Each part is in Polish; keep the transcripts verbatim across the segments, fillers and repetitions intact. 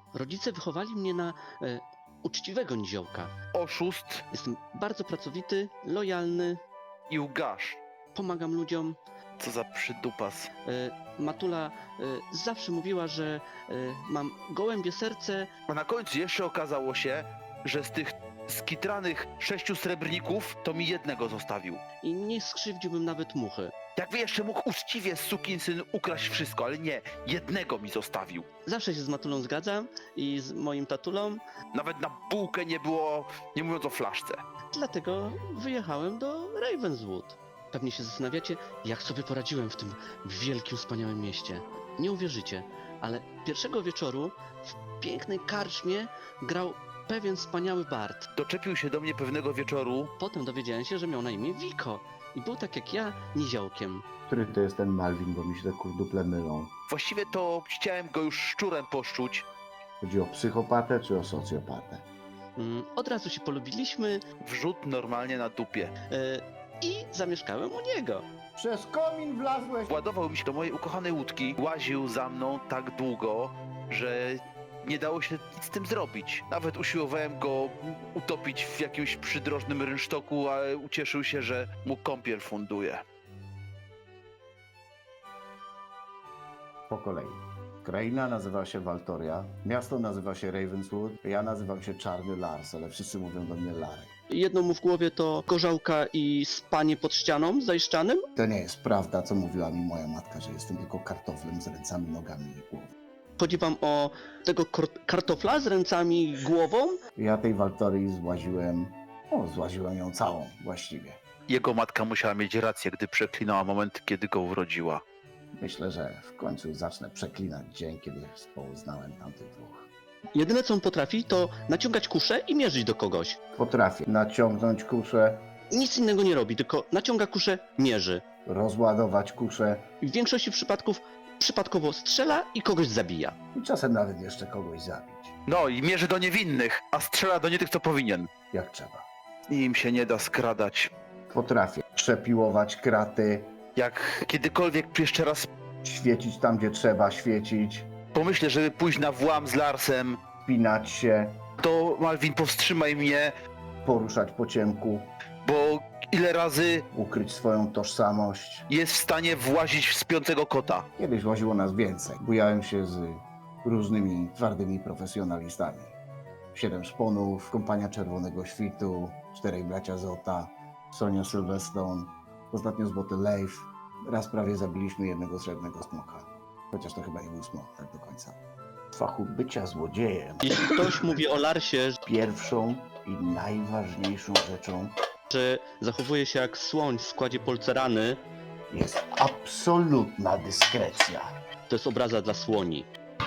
Rodzice wychowali mnie na e, uczciwego niziołka. Oszust Jestem bardzo pracowity, lojalny, i łgarz. pomagam ludziom. Co za przydupas. E, Matula e, zawsze mówiła, że e, mam gołębie serce. A na końcu jeszcze okazało się, że z tych skitranych sześciu srebrników to mi jednego zostawił. I nie skrzywdziłbym nawet muchy. Jakby jeszcze mógł uczciwie sukinsyn ukraść wszystko, ale nie, jednego mi zostawił. Zawsze się z Matulą zgadzam i z moim tatulą, Nawet na bułkę nie było, nie mówiąc o flaszce. dlatego wyjechałem do Ravenswood. Pewnie się zastanawiacie, jak sobie poradziłem w tym wielkim, wspaniałym mieście. Nie uwierzycie, ale pierwszego wieczoru w pięknej karczmie grał pewien wspaniały bard. Doczepił się do mnie pewnego wieczoru. Potem dowiedziałem się, że miał na imię Wiko i był tak jak ja, niziołkiem. Który to jest ten Malvin, bo mi się te kurduple mylą. Właściwie to chciałem go już szczurem poszczuć. Chodzi o psychopatę czy o socjopatę? Mm, Od razu się polubiliśmy Wrzut normalnie na dupie. e, i zamieszkałem u niego. Przez komin wlazłeś! Władował mi się do mojej ukochanej łódki. Łaził za mną tak długo, że nie dało się nic z tym zrobić. Nawet usiłowałem go utopić w jakimś przydrożnym rynsztoku, ale ucieszył się, że mu kąpiel funduje. Po kolei. Kraina nazywa się Waltoria, miasto nazywa się Ravenswood, ja nazywam się Czarny Lars, ale wszyscy mówią do mnie Larry. Jedno mu w głowie to gorzałka i spanie pod ścianą zajszczanym. To nie jest prawda, co mówiła mi moja matka, że jestem tylko kartoflem z ręcami, nogami i głową. Chodzi wam o tego kor- kartofla z ręcami i głową? Ja tej Waltorii złaziłem, o, złaziłem ją całą właściwie. Jego matka musiała mieć rację, gdy przeklinała moment, kiedy go urodziła. Myślę, że w końcu zacznę przeklinać dzień, kiedy poznałem tamtych dwóch. Jedyne co on potrafi to naciągać kuszę i mierzyć do kogoś. Potrafię naciągnąć kuszę, Nic innego nie robi, tylko naciąga kuszę, mierzy. rozładować kuszę I w większości przypadków przypadkowo strzela i kogoś zabija. i czasem nawet jeszcze kogoś zabić, No i mierzy do niewinnych, a strzela do nie tych, co powinien. jak trzeba. Im się nie da skradać. Potrafię przepiłować kraty, Jak kiedykolwiek jeszcze raz świecić tam, gdzie trzeba świecić, pomyślę, żeby pójść na włam z Larsem, pinać się, to Malvin, powstrzymaj mnie, poruszać po ciemku, bo ile razy ukryć swoją tożsamość. jest w stanie włazić w śpiącego kota. Kiedyś łaziło nas więcej. Bujałem się z różnymi twardymi profesjonalistami. Siedem szponów, Kompania Czerwonego Świtu, Czterej Bracia Zota, Sonia Sylvestone, ostatnio Złoty Leif. Raz prawie zabiliśmy jednego srebrnego smoka. Chociaż to chyba nie był smok tak do końca. W fachu bycia złodziejem Jeśli ktoś mówi o Larsie, pierwszą i najważniejszą rzeczą że zachowuje się jak słoń w składzie polcerany, jest absolutna dyskrecja. to jest obraza dla słoni.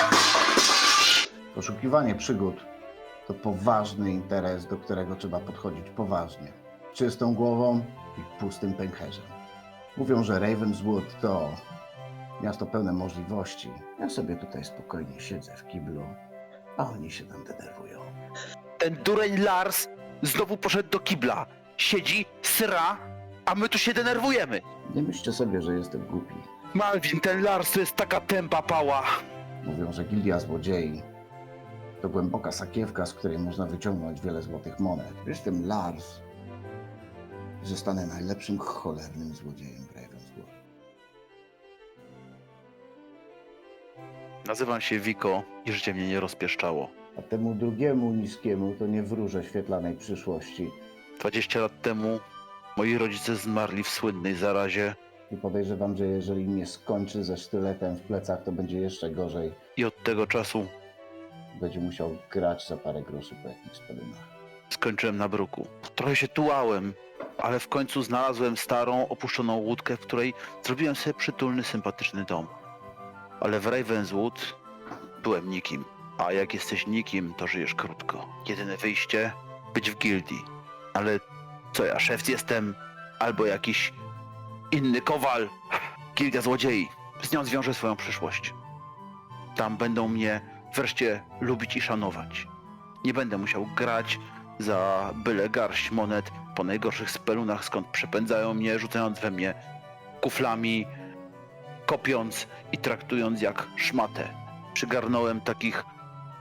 Poszukiwanie przygód to poważny interes, do którego trzeba podchodzić poważnie. Czystą głową i pustym pęcherzem. Mówią, że Ravenswood to miasto pełne możliwości. Ja sobie tutaj spokojnie siedzę w kiblu, a oni się tam denerwują. Ten dureń Lars znowu poszedł do kibla. Siedzi, sra, a my tu się denerwujemy. Nie myślcie sobie, że jestem głupi. Malvin, ten Lars to jest taka tępa pała. Mówią, że Gildia Złodziei to głęboka sakiewka, z której można wyciągnąć wiele złotych monet. Jestem Lars, zostanę najlepszym cholernym złodziejem w Ravenswood. Nazywam się Wiko i życie mnie nie rozpieszczało. A temu drugiemu niskiemu to nie wróżę świetlanej przyszłości. dwadzieścia lat temu moi rodzice zmarli w słynnej zarazie I podejrzewam, że jeżeli nie skończy ze sztyletem w plecach, to będzie jeszcze gorzej. i od tego czasu Będzie musiał grać za parę groszy po jakichś spelunach. skończyłem na bruku. Trochę się tułałem, ale w końcu znalazłem starą, opuszczoną łódkę, w której zrobiłem sobie przytulny, sympatyczny dom. Ale w Ravenswood byłem nikim. A jak jesteś nikim, to żyjesz krótko. Jedyne wyjście być w gildii. Ale co ja, szef jestem? Albo jakiś inny kowal? Gildia Złodziei. Z nią zwiążę swoją przyszłość. Tam będą mnie wreszcie lubić i szanować. Nie będę musiał grać za byle garść monet po najgorszych spelunach, skąd przepędzają mnie, rzucając we mnie kuflami, kopiąc i traktując jak szmatę. Przygarnąłem takich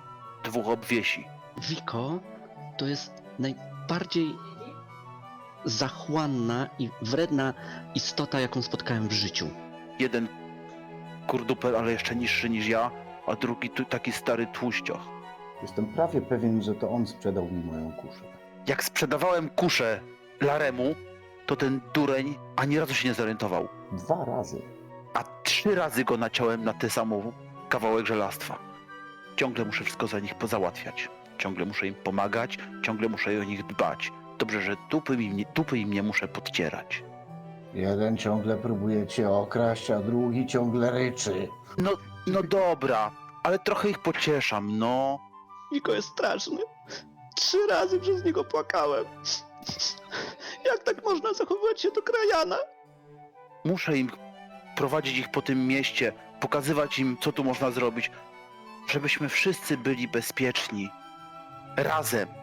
dwóch obwiesi. Wiko to jest najbardziej zachłanna i wredna istota, jaką spotkałem w życiu. Jeden kurduper, ale jeszcze niższy niż ja, a drugi tu, taki stary tłuścioch. Jestem prawie pewien, że to on sprzedał mi moją kuszę. Jak sprzedawałem kuszę Laremu, to ten dureń ani razu się nie zorientował. Dwa razy. A trzy razy go naciąłem na ten sam kawałek żelastwa. Ciągle muszę wszystko za nich pozałatwiać. Ciągle muszę im pomagać, ciągle muszę o nich dbać. Dobrze, że dupy im nie, dupy im nie muszę podcierać. Jeden ciągle próbuje cię okraść, a drugi ciągle ryczy. No, no dobra, ale trochę ich pocieszam, no. Wiko jest straszny. Trzy razy przez niego płakałem. Jak tak można zachowywać się do krajana? Muszę im prowadzić ich po tym mieście, pokazywać im, co tu można zrobić, żebyśmy wszyscy byli bezpieczni. Razem.